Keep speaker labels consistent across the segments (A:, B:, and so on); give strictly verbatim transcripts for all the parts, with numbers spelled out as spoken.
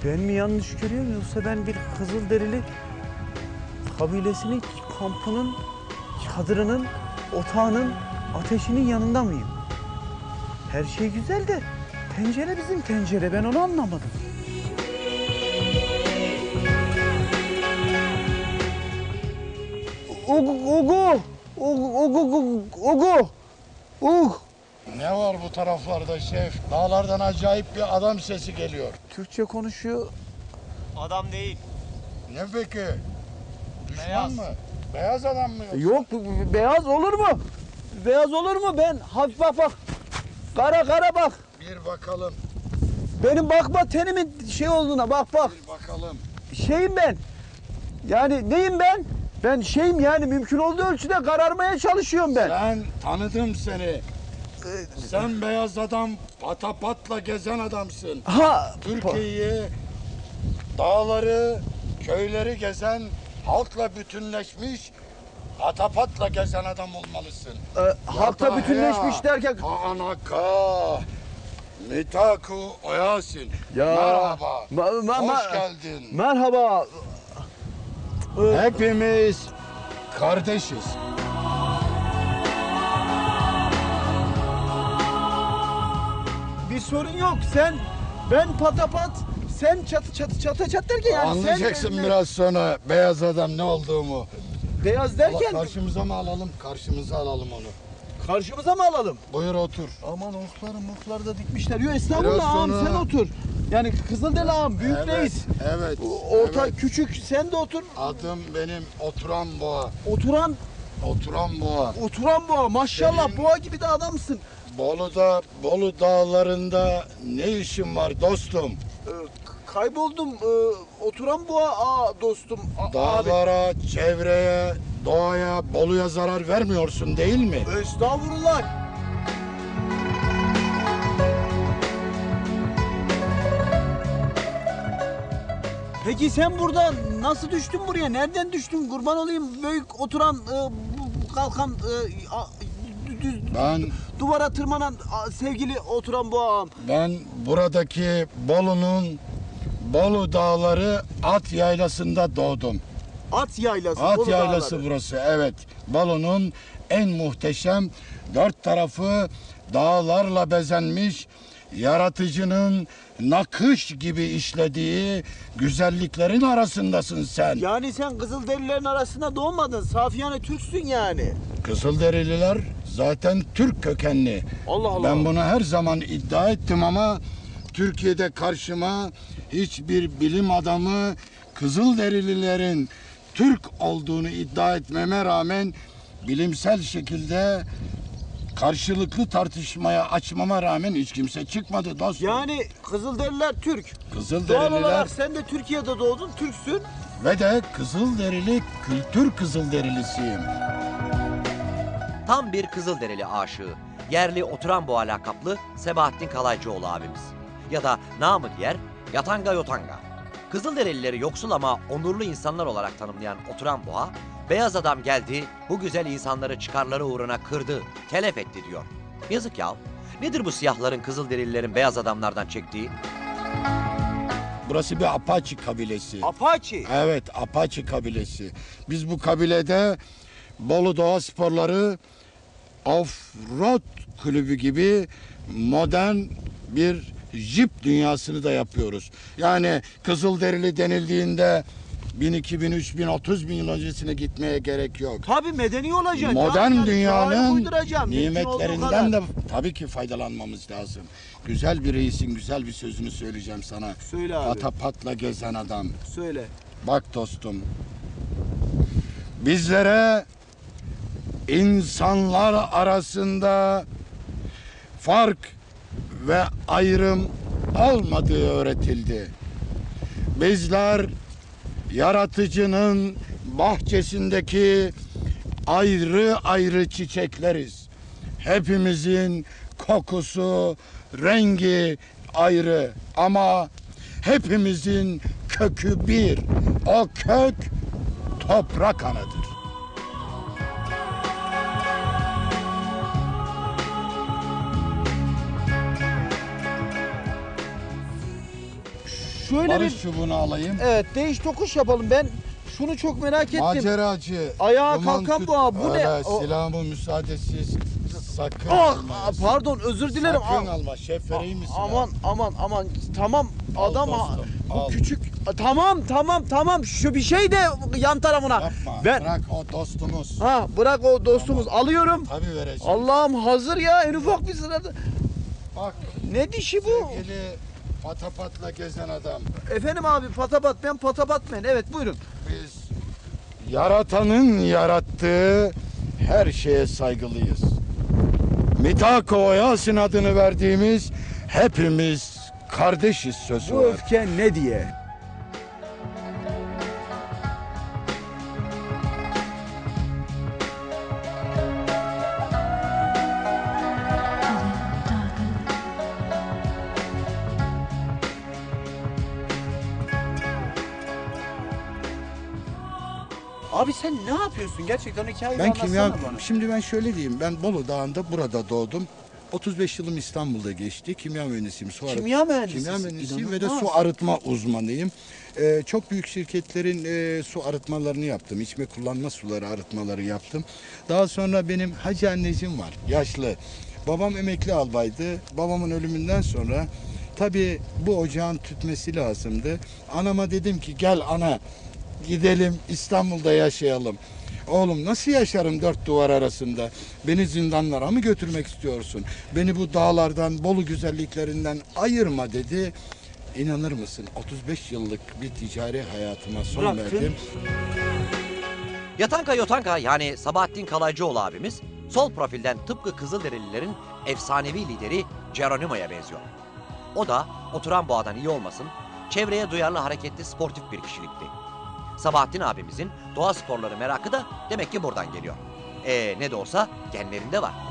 A: Ben mi yanlış görüyorum yoksa ben bir Kızılderili kabilesinin kampının, çadırının, otağının, ateşinin yanında mıyım? Her şey güzel de tencere bizim tencere. Ben onu anlamadım. Ugu, ugu, ugu, ugu, ugu, ugu.
B: Ne var bu taraflarda şef? Dağlardan acayip bir adam sesi geliyor.
A: Türkçe konuşuyor.
C: Adam değil.
B: Ne peki? Düşman
C: Beyaz.
B: mı? Beyaz adam mı yoksa?
A: Yok, bu- bu beyaz olur mu? Beyaz olur mu? Ben hafif bak bak. Kara kara bak.
B: Bir bakalım,
A: Benim bakma tenimin şey olduğuna bak bak.
B: bir bakalım.
A: Şeyim ben. Yani neyim ben? Ben şeyim yani mümkün olduğu ölçüde kararmaya çalışıyorum ben.
B: Ben tanıdım seni. Sen beyaz adam, patapatla gezen adamsın.
A: Ha,
B: Türkiye'yi, dağları, köyleri gezen, halkla bütünleşmiş, patapatla gezen adam olmalısın.
A: e, halkla bütünleşmiş derken
B: Anaka, Mitaku Oyasin.
A: Ya,
B: Merhaba.
A: ma- ma-
B: Hoş
A: ma-
B: geldin.
A: merhaba. Ee,
B: Hepimiz kardeşiz.
A: bir sorun yok. Sen ben patapat, sen çatı çatı çatı çat derken yani
B: Anlayacaksın
A: sen
B: biraz sonra beyaz adam ne olduğumu.
A: beyaz derken
B: Karşımıza mı alalım? Karşımıza alalım onu.
A: karşımıza mı alalım?
B: Buyur otur.
A: Aman okları mokları da dikmişler. Yo estağfurullah
B: Biraz
A: ağam
B: sonra-
A: sen otur. Yani Kızılderili ağam büyük
B: Evet,
A: reis.
B: evet,
A: Orta
B: evet.
A: küçük sen de otur.
B: Adım benim Oturan Boğa.
A: Oturan
B: Oturan Boğa.
A: oturan boğa maşallah
B: Senin-
A: boğa gibi de adamsın.
B: Bolu'da, Bolu dağlarında ne işin var dostum?
A: Ee, k- kayboldum. Ee, oturan boğa aa dostum. A- abi.
B: Dağlara, çevreye, doğaya, Bolu'ya zarar vermiyorsun değil mi?
A: Estağfurullah. Peki sen burada nasıl düştün buraya? Nereden düştün? Kurban olayım büyük oturan e, bu- bu kalkan e, a- düz
B: Ben
A: duvara tırmanan a, sevgili oturan bu ağam.
B: ben buradaki Bolu'nun Bolu Dağları At Yaylası'nda doğdum.
A: At yaylası.
B: At
A: Bolu
B: Yaylası
A: Dağları.
B: burası, evet. Bolu'nun en muhteşem, dört tarafı dağlarla bezenmiş, yaratıcının nakış gibi işlediği güzelliklerin arasındasın sen.
A: Yani sen Kızılderililerin arasında doğmadın. Safiyane Türksün yani.
B: Kızılderililer zaten Türk kökenli.
A: Allah Allah.
B: Ben bunu her zaman iddia ettim ama Türkiye'de karşıma hiçbir bilim adamı Kızılderililerin Türk olduğunu iddia etmeme rağmen bilimsel şekilde karşılıklı tartışmaya açmama rağmen hiç kimse çıkmadı dostum.
A: Yani Kızılderililer Türk. Doğal
B: Kızılderililer
A: olarak sen de Türkiye'de doğdun, Türksün.
B: ve de Kızılderili kültür Kızılderilisiyim.
D: Tam bir Kızılderili aşığı, yerli oturan boğa lakaplı Sebahattin Kalaycıoğlu abimiz. Ya da namı diğer Yatanga Yotanga. Kızılderilileri yoksul ama onurlu insanlar olarak tanımlayan oturan boğa, beyaz adam geldi, bu güzel insanları çıkarları uğruna kırdı, telef etti diyor. Yazık ya. Nedir bu siyahların Kızılderililerin beyaz adamlardan çektiği?
B: Burası bir Apache kabilesi.
A: Apache.
B: Evet, Apache kabilesi. Biz bu kabilede Bolu Doğa Sporları Off-Road Kulübü gibi modern bir jip dünyasını da yapıyoruz. Yani Kızılderili denildiğinde bin, iki bin, üç bin, otuz bin yıl öncesine gitmeye gerek yok.
A: Tabii medeni olacaksın.
B: Modern
A: Yani
B: dünyanın
A: çağı uyduracaksın, mümkün olduğu
B: nimetlerinden
A: kadar.
B: de tabii ki faydalanmamız lazım. Güzel bir reisin güzel bir sözünü söyleyeceğim sana.
A: Söyle abi.
B: Patapatla gezen adam.
A: Söyle.
B: Bak dostum, bizlere insanlar arasında fark ve ayrım olmadığı öğretildi. Bizler yaratıcının bahçesindeki ayrı ayrı çiçekleriz. Hepimizin kokusu, rengi ayrı ama hepimizin kökü bir. O kök toprak anadır.
A: şöyle
B: Barış
A: bir
B: çubuğunu alayım.
A: evet değiş tokuş yapalım. Ben şunu çok merak ettim.
B: Maceracı.
A: Ayağa
B: duman
A: kalkan
B: tüt-
A: boğa, bu ne?
B: Öyle,
A: O-
B: silahımı müsaadesiz sakın
A: Ah,
B: almayasın.
A: pardon özür dilerim.
B: Sakın
A: Ah,
B: alma. Şef vereyim mi silahı?
A: Aman aman aman tamam
B: Al
A: adam ha-
B: dostum,
A: bu
B: al.
A: küçük tamam tamam tamam şu bir şey de yan tarafına.
B: Yapma.
A: Ben
B: Bırak o dostumuz.
A: ha bırak o dostumuz alıyorum.
B: Tabii vereceğim.
A: Allah'ım hazır ya en ufak bir sırada.
B: Bak
A: Ne dişi bu?
B: sevgili patapatla gezen adam.
A: Efendim abi patapat ben patapat ben evet buyurun.
B: Biz yaratanın yarattığı her şeye saygılıyız. Mitako Oyasin adını verdiğimiz hepimiz kardeşiz sözü
A: Bu
B: var.
A: öfke ne diye? Abi sen ne yapıyorsun? Gerçekten hikayeyi
B: Ben
A: anlatsana
B: kimya,
A: bana.
B: şimdi ben şöyle diyeyim. Ben Bolu Dağı'nda burada doğdum. otuz beş yılım İstanbul'da geçti. Kimya mühendisiyim. Su arı-
A: Kimya mühendisisin.
B: Kimya mühendisiyim ve de
A: İnanılmaz.
B: su arıtma uzmanıyım. Ee, çok büyük şirketlerin e, su arıtmalarını yaptım. İçme kullanma suları arıtmaları yaptım. Daha sonra benim hacı anneciğim var. Yaşlı. Babam emekli albaydı. Babamın ölümünden sonra tabii bu ocağın tütmesi lazımdı. Anama dedim ki gel ana gidelim İstanbul'da yaşayalım. Oğlum nasıl yaşarım dört duvar arasında? Beni zindanlara mı götürmek istiyorsun? Beni bu dağlardan, Bolu güzelliklerinden ayırma dedi. İnanır mısın? otuz beş yıllık bir ticari hayatıma son
A: Bıraktın.
B: verdim.
D: Yatanka Yotanka yani Sabahattin Kalaycıoğlu abimiz sol profilden tıpkı Kızılderililerin efsanevi lideri Geronimo'ya benziyor. O da oturan boğadan iyi olmasın, çevreye duyarlı hareketli sportif bir kişilikti. Sabahattin abimizin doğa sporları merakı da demek ki buradan geliyor. E ne de olsa genlerinde var.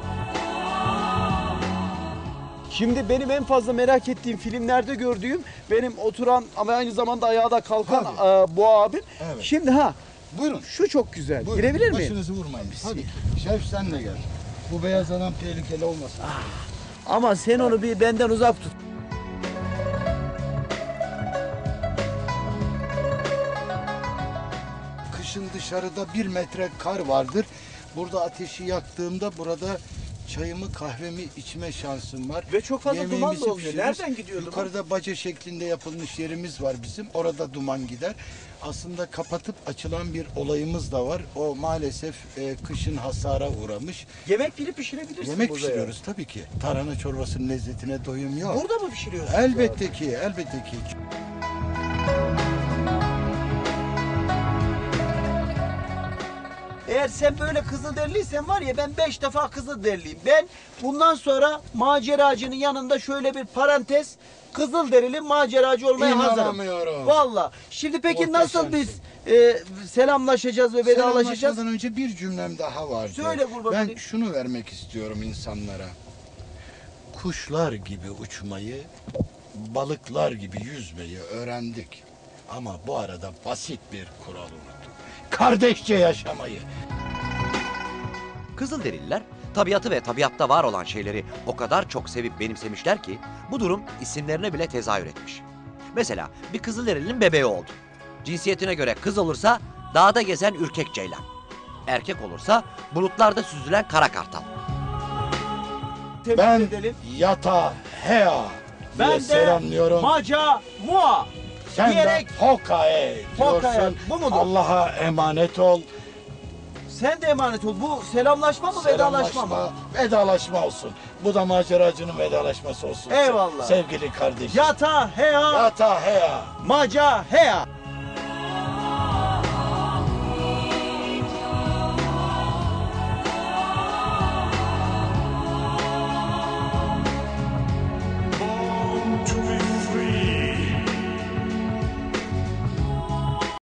A: Şimdi benim en fazla merak ettiğim filmlerde gördüğüm benim oturan ama aynı zamanda ayağa da kalkan
B: Tabii.
A: e, boğa abim.
B: Evet.
A: Şimdi ha
B: Buyurun.
A: şu çok güzel.
B: Buyurun.
A: Girebilir miyim?
B: Başınızı vurmayın. Tabii. Şef sen de gel. Bu beyaz adam tehlikeli olmasın.
A: Ama sen onu bir benden uzak tut.
B: Kışın dışarıda bir metre kar vardır. Burada ateşi yaktığımda burada çayımı kahvemi içme şansım var.
A: Ve çok fazla duman
B: Yemeğimizi
A: da olmuyor.
B: pişiririz.
A: Nereden gidiyordu bu?
B: Yukarıda baca şeklinde yapılmış yerimiz var bizim. Orada duman gider. Aslında kapatıp açılan bir olayımız da var. O maalesef e, kışın hasara uğramış.
A: Yemek bile pişirebilirsin
B: Yemek
A: burada
B: pişiriyoruz tabii ki. Tarhana çorbasının lezzetine doyum
A: ya.
B: yok.
A: Burada mı pişiriyorsun?
B: Elbette ki, elbette ki.
A: Eğer sen böyle Kızılderiliysen var ya ben beş defa Kızılderiliyim. Ben bundan sonra maceracının yanında şöyle bir parantez Kızılderili maceracı olmaya hazırım.
B: İnanamıyorum.
A: Valla. Şimdi peki nasıl biz
B: Muhteşemsin.
A: e, selamlaşacağız ve vedalaşacağız?
B: Selamlaşmadan önce bir cümlem daha vardı.
A: Söyle kurban
B: Ben
A: olayım.
B: şunu vermek istiyorum insanlara. Kuşlar gibi uçmayı, balıklar gibi yüzmeyi öğrendik. Ama bu arada basit bir kural unuttuk. Kardeşçe yaşamayı.
D: Kızılderililer tabiatı ve tabiatta var olan şeyleri o kadar çok sevip benimsemişler ki bu durum isimlerine bile tezahür etmiş. Mesela bir Kızılderilinin bebeği oldu. Cinsiyetine göre kız olursa dağda gezen ürkek ceylan. Erkek olursa bulutlarda süzülen kara kartal.
A: Tebrik
B: Ben
A: edelim.
B: yata hea diye
A: Ben de
B: selamlıyorum.
A: maca mua
B: Sen
A: diyerek
B: de hokae
A: Hokae,
B: diyorsun.
A: bu mudur?
B: Allah'a emanet ol.
A: sen de emanet ol. Bu selamlaşma mı vedalaşma mı?
B: Selamlaşma, vedalaşma olsun. Bu da maceracının vedalaşması olsun.
A: Eyvallah.
B: Sevgili kardeşim.
A: Yata hea
B: Yata hea.
A: maca hea.